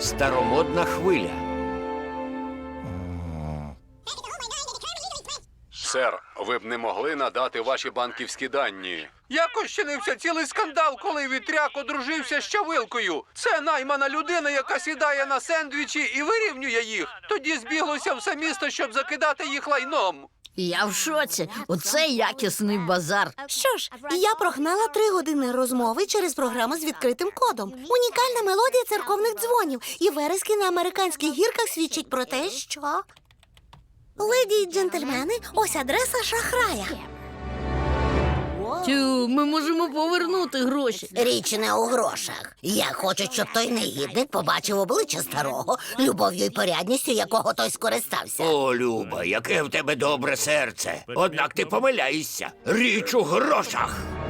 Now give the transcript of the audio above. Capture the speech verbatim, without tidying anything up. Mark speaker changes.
Speaker 1: Старомодна хвиля.
Speaker 2: Сер, ви б не могли надати ваші банківські дані.
Speaker 3: Якось чинився цілий скандал, коли вітряк одружився з Чавилкою. Це наймана людина, яка сідає на сендвічі і вирівнює їх. Тоді збіглося все місто, щоб закидати їх лайном.
Speaker 4: Я в шоці. Оце якісний базар.
Speaker 5: Що ж, я прогнала три години розмови через програму з відкритим кодом. Унікальна мелодія церковних дзвонів. І верески на американських гірках свідчать про те, що... Леді й джентльмени, ось адреса шахрая.
Speaker 4: Тю, ми можемо повернути гроші.
Speaker 5: Річ не у грошах. Я хочу, щоб той негідник побачив обличчя старого, любов'ю і порядністю якого той скористався.
Speaker 1: О, Люба, яке в тебе добре серце. Однак ти помиляєшся. Річ у грошах.